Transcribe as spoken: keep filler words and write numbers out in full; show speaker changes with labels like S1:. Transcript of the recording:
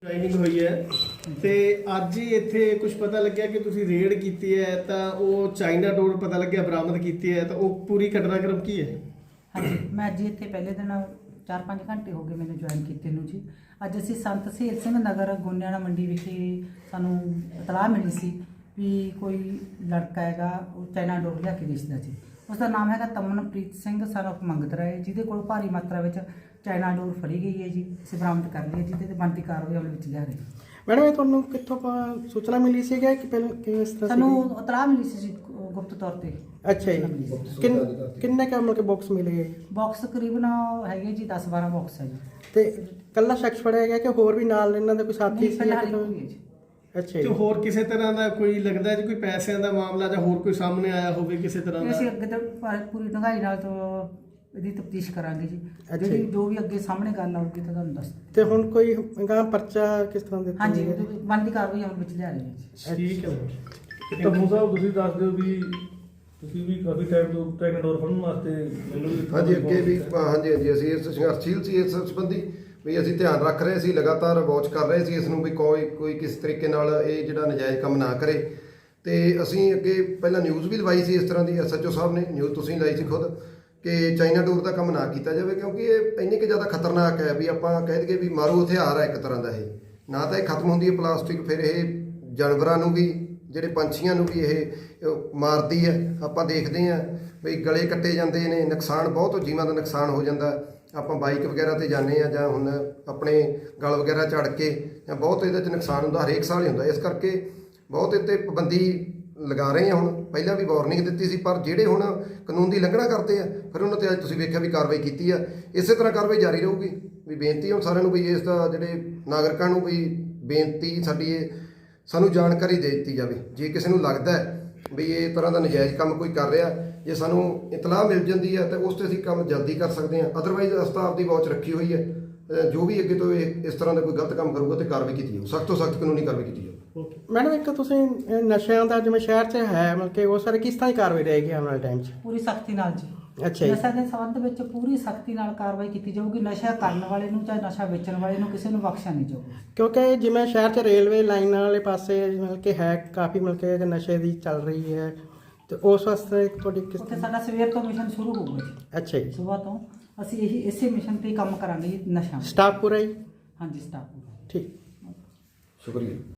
S1: Joining ਹੋਈ ਹੈ ਤੇ ਅੱਜ ਹੀ ਇੱਥੇ ਕੁਝ ਪਤਾ ਲੱਗਿਆ ਕਿ ਤੁਸੀਂ ਰੇਡ ਕੀਤੀ ਹੈ ਤਾਂ ਉਹ ਚਾਈਨਾ ਡੋਰ ਪਤਾ ਲੱਗਿਆ ਬਰਾਮਦ ਕੀਤੀ ਹੈ ਤਾਂ ਉਹ ਪੂਰੀ ਘਟਨਾਕ੍ਰਮ ਕੀ ਹੈ?
S2: ਹਾਂਜੀ, ਮੈਂ ਅੱਜ ਇੱਥੇ ਪਹਿਲੇ ਦਿਨ ਚਾਰ ਪੰਜ ਘੰਟੇ ਹੋ ਗਏ ਮੈਨੂੰ ਜੁਆਇਨ ਕੀਤੇ ਨੂੰ ਜੀ। ਅੱਜ ਅਸੀਂ ਸੰਤ ਸਹੀਲ ਸਿੰਘ ਨਗਰ ਗੋਨਿਆਣਾ ਮੰਡੀ ਵਿਖੇ ਸਾਨੂੰ ਇਤਲਾਹ ਮਿਲੀ ਸੀ ਵੀ ਕੋਈ ਲੜਕਾ ਹੈਗਾ ਉਹ ਚਾਈਨਾ ਡੋਰ ਲਿਆ ਕੇ ਵੇਚਦਾ ਸੀ। ਉਸ ਦਾ ਨਾਮ ਹੈਗਾ ਤਮਨਪ੍ਰੀਤ ਸਿੰਘ ਸਨ ਆਫ ਮੰਗਤ ਰਾਏ, ਜਿਹਦੇ ਕੋਲ ਭਾਰੀ ਮਾਤਰਾ ਵਿੱਚ ਚਾਈਨਾ ਡੋਰ ਫੜੀ ਗਈ ਹੈ ਜੀ। ਅਸੀਂ ਬਰਾਮਦ ਕਰ ਲਈ ਹੈ, ਜਿਹਦੇ ਤੇ ਬਣਦੀ ਕਾਰਵਾਈ ਅਮਲ ਵਿੱਚ ਲਿਆ ਰਹੀ ਹੈ।
S3: ਮੈਡਮ ਇਹ ਤੁਹਾਨੂੰ ਕਿੱਥੋਂ ਪ- ਸੂਚਨਾ ਮਿਲੀ ਸੀ ਕਿ ਪਹਿਲਾਂ ਕਿਸ ਤਰ੍ਹਾਂ
S2: ਸਾਨੂੰ ਇਤਲਾਹ ਮਿਲੀ ਸੀ ਜੀ ਗੁਪਤ ਤੌਰ ਤੇ।
S3: ਅੱਛਾ ਜੀ, ਕਿੰਨ ਕਿੰਨੇ ਕੁ ਮਤਲਬ ਕਿ ਬਾਕਸ ਮਿਲੇ
S2: ਬਾਕਸ ਤਕਰੀਬਨ ਹੈਗੇ ਜੀ ਦਸ ਬਾਰਾਂ ਬਾਕਸ ਹੈ ਜੀ।
S3: ਤੇ ਕੱਲਾ ਸ਼ਖਸ ਫੜਿਆ ਗਿਆ ਕਿ ਹੋਰ ਵੀ ਨਾਲ ਇਹਨਾਂ ਦਾ ਕੋਈ ਸਾਥੀ
S2: ਨਹੀਂ,
S3: ਸੀ?
S2: ਫਿਲਹਾਲ
S3: ਜਾਂ
S2: ਇੱਕੋ ਹੀ ਹੈ ਜੀ।
S3: ਅੱਛਾ
S1: ਤੇ
S3: ਜੀ,
S1: ਹੋਰ ਕਿਸੇ ਤਰ੍ਹਾਂ ਦਾ ਕੋਈ ਲੱਗਦਾ ਹੈ ਜੀ ਕੋਈ ਪੈਸਿਆਂ ਦਾ ਮਾਮਲਾ ਜਾਂ ਹੋਰ ਕੋਈ ਸਾਹਮਣੇ ਆਇਆ ਹੋਵੇ ਕਿਸੇ ਤਰ੍ਹਾਂ
S2: ਤੇ
S1: ਦਾ?
S2: ਅਸੀਂ ਅੱਗੇ ਤੋਂ ਪ- ਪੂਰੀ ਢੰਗਾਈ ਨਾਲ ਤੋਂ ਇਹਦੀ ਤਫਤੀਸ਼ ਕਰਾਂਗੇ ਜੀ।
S3: ਅੱਛਾ
S2: ਜਿਹੜੀ
S3: ਜੀ।
S2: ਜੋ ਵੀ ਅੱਗੇ ਸਾਹਮਣੇ ਗੱਲ ਆਊਗੀ ਤਾਂ ਤੁਹਾਨੂੰ ਦੱਸ ਦਿਆਂਗੇ।
S3: ਤੇ ਹੁਣ ਕੋਈ ਗਾਂ ਪਰਚਾ ਕਿਸ ਤਰ੍ਹਾਂ ਦੇ
S2: ਹਾਂਜੀ, ਉਹਦੇ ਵਿੱਚ ਬਣਦੀ ਕਾਰਵਾਈ ਅਮਲ ਵਿੱਚ ਲਿਆ ਰਹੇ ਹਾਂ ਜੀ।
S1: ਠੀਕ ਹੈ।
S4: ਤੰਮੂ ਸਾਹਿਬ ਤੁਸੀਂ ਦੱਸ ਦਿਓ ਵੀ ਤੁਸੀਂ ਵੀ ਕਾਫੀ ਟਾਈਮ ਤੋਂ ਟ੍ਰੈਕ ਡੋਰ ਫੜਨ ਵਾਸਤੇ ਮੈਨੂੰ ਵੀ
S5: ਹਾਂਜੀ ਅੱਗੇ ਵੀ ਹਾਂਜੀ ਹਾਂਜੀ ਅਸੀਂ ਇਸ ਸੰਘਰਸ਼ੀਲ ਸੀ ਇਸ ਸੰਬੰਧੀ ਵੀ ਅਸੀਂ ਧਿਆਨ ਰੱਖ ਰਹੇ ਸੀ, ਲਗਾਤਾਰ ਵਾਚ ਕਰ ਰਹੇ ਸੀ ਇਸ ਨੂੰ ਵੀ ਕੋਈ ਕੋਈ ਕਿਸ ਤਰੀਕੇ ਨਾਲ ਇਹ ਜਿਹੜਾ ਨਜਾਇਜ਼ ਕੰਮ ਨਾ ਕਰੇ। ਤੇ ਅਸੀਂ ਅੱਗੇ ਪਹਿਲਾਂ ਨਿਊਜ਼ ਵੀ ਲਵਾਈ ਸੀ ਇਸ ਤਰ੍ਹਾਂ ਦੀ, ਐਸ ਐਚ ਓ ਸਾਹਿਬ ਨੇ ਨਿਊਜ਼ ਤੁਸੀਂ ਲਾਈ ਸੀ ਖੁਦ ਕਿ ਚਾਈਨਾ ਡੋਰ ਦਾ ਕੰਮ ਨਾ ਕੀਤਾ ਜਾਵੇ, ਕਿਉਂਕਿ ਇਹ ਇੰਨੀ ਕਿ ਜ਼ਿਆਦਾ ਖਤਰਨਾਕ ਹੈ ਵੀ ਆਪਾਂ ਕਹਿ ਦਈਏ ਵੀ ਮਾਰੂ ਹਥਿਆਰ ਹੈ ਇੱਕ ਤਰ੍ਹਾਂ ਦਾ। ਇਹ ਨਾ ਤਾਂ ਇਹ ਖਤਮ ਹੁੰਦੀ ਹੈ ਪਲਾਸਟਿਕ, ਫਿਰ ਇਹ ਜਾਨਵਰਾਂ ਨੂੰ ਵੀ ਜਿਹੜੇ ਪੰਛੀਆਂ ਨੂੰ ਵੀ ਇਹ ਮਾਰਦੀ ਹੈ। ਆਪਾਂ ਦੇਖਦੇ ਹਾਂ ਵੀ ਗਲੇ ਕੱਟੇ ਜਾਂਦੇ ਨੇ, ਨੁਕਸਾਨ ਬਹੁਤ ਜੀਵਾਂ ਦਾ ਨੁਕਸਾਨ ਹੋ ਜਾਂਦਾ। ਆਪਾਂ ਬਾਈਕ ਵਗੈਰਾ ਤੇ ਜਾਂਦੇ ਆ ਜਾਂ ਹੁਣ ਆਪਣੇ ਗਲ ਵਗੈਰਾ ਝੜ ਕੇ ਜਾਂ ਬਹੁਤ ਇਹਦੇ 'ਚ ਨੁਕਸਾਨ ਹੁੰਦਾ, ਹਰੇਕ ਸਾਲ ਹੀ ਹੁੰਦਾ। ਇਸ ਕਰਕੇ ਬਹੁਤ ਇਹ 'ਤੇ ਪਾਬੰਦੀ ਲਗਾ ਰਹੇ ਹਾਂ। ਹੁਣ ਪਹਿਲਾਂ ਵੀ ਵਾਰਨਿੰਗ ਦਿੱਤੀ ਸੀ, ਪਰ ਜਿਹੜੇ ਹੁਣ ਕਾਨੂੰਨ ਦੀ ਉਲੰਘਣਾ ਕਰਦੇ ਆ ਫਿਰ ਉਹਨਾਂ 'ਤੇ ਅੱਜ ਤੁਸੀਂ ਵੇਖਿਆ ਵੀ ਕਾਰਵਾਈ ਕੀਤੀ ਆ। ਇਸੇ ਤਰ੍ਹਾਂ ਕਾਰਵਾਈ ਜਾਰੀ ਰਹੂਗੀ। ਵੀ ਬੇਨਤੀ ਹੁਣ ਸਾਰਿਆਂ ਨੂੰ ਵੀ ਇਸ ਦਾ ਜਿਹੜੇ ਨਾਗਰਿਕਾਂ ਨੂੰ ਵੀ ਬੇਨਤੀ ਸਾਡੀ ਇਹ ਸਾਨੂੰ ਜਾਣਕਾਰੀ ਦੇ ਦਿੱਤੀ ਜਾਵੇ। ਜੇ ਕਿਸੇ ਨੂੰ ਲੱਗਦਾ ਹੈ ਵੀ ਇਹ ਤਰ੍ਹਾਂ ਦਾ ਨਜਾਇਜ਼ ਕੰਮ ਕੋਈ ਕਰ ਰਿਹਾ, ਜੇ ਸਾਨੂੰ ਇਤਲਾਹ ਮਿਲ ਜਾਂਦੀ ਹੈ ਤਾਂ ਉਸ 'ਤੇ ਅਸੀਂ ਕੰਮ ਜਲਦੀ ਕਰ ਸਕਦੇ ਹਾਂ। ਅਦਰਵਾਈਜ਼ ਅਸੀਂ ਤਾਂ ਆਪਦੀ ਵਾਚ ਰੱਖੀ ਹੋਈ ਹੈ, ਜੋ ਵੀ ਅੱਗੇ ਤੋਂ ਇਹ ਇਸ ਤਰ੍ਹਾਂ ਦਾ ਕੋਈ ਗਲਤ ਕੰਮ ਕਰੂਗਾ ਤੇ ਕਾਰਵਾਈ ਕੀਤੀ ਜਾਊ, ਸਖਤ ਤੋਂ ਸਖਤ ਕਾਨੂੰਨੀ ਕਾਰਵਾਈ ਕੀਤੀ ਜਾਊ।
S3: ਮੈਡਮ ਇੱਕ ਤੁਸੀਂ ਇਹ ਨਸ਼ਿਆਂ ਦਾ ਜਿਵੇਂ ਸ਼ਹਿਰ 'ਚ ਹੈ ਮਤਲਬ ਕਿ ਉਹ ਸਾਰੇ ਕਿਸ ਤਰ੍ਹਾਂ ਦੀ ਕਾਰਵਾਈ ਰਹੇਗੀ ਆਉਣ ਵਾਲੇ ਟਾਈਮ 'ਚ?
S2: ਪੂਰੀ ਸਖਤੀ ਨਾਲ ਜੀ।
S3: ਅੱਛਾ ਜੀ,
S2: ਨਸ਼ਾ ਦੇ ਸੰਬੰਧ ਵਿੱਚ ਪੂਰੀ ਸਖਤੀ ਨਾਲ ਕਾਰਵਾਈ ਕੀਤੀ ਜਾਊਗੀ। ਨਸ਼ਾ ਕਰਨ ਵਾਲੇ ਨੂੰ ਚਾਹੇ ਨਸ਼ਾ ਵੇਚਣ ਵਾਲੇ ਨੂੰ ਕਿਸੇ ਨੂੰ ਬਖਸ਼ਿਆ ਨਹੀਂ ਜਾਊਗਾ।
S3: ਕਿਉਂਕਿ ਜਿਵੇਂ ਸ਼ਹਿਰ 'ਚ ਰੇਲਵੇ ਲਾਈਨਾਂ ਵਾਲੇ ਪਾਸੇ ਮਤਲਬ ਕਿ ਹੈ ਕਾਫੀ ਮਤਲਬ ਕਿ ਨਸ਼ੇ ਦੀ ਚੱਲ ਰਹੀ ਹੈ, ਤੇ ਉਸ ਵਾਸਤੇ ਤੁਹਾਡੀ ਕਿਸ
S2: ਉੱਥੇ ਸਾਡਾ ਸਵੇਰ ਤੋਂ ਮਿਸ਼ਨ ਸ਼ੁਰੂ ਹੋਊਗਾ ਜੀ।
S3: ਅੱਛਾ ਜੀ,
S2: ਸਵੇਰ ਤੋਂ ਅਸੀਂ ਇਹੀ ਇਸੇ ਮਿਸ਼ਨ ਤੇ ਹੀ ਕੰਮ ਕਰਾਂਗੇ ਜੀ। ਨਸ਼ਾ
S3: ਸਟਾਫ ਪੂਰਾ ਜੀ?
S2: ਹਾਂਜੀ, ਸਟਾਫ ਪੂਰਾ।
S3: ਠੀਕ।
S5: ਸ਼ੁਕਰੀਆ।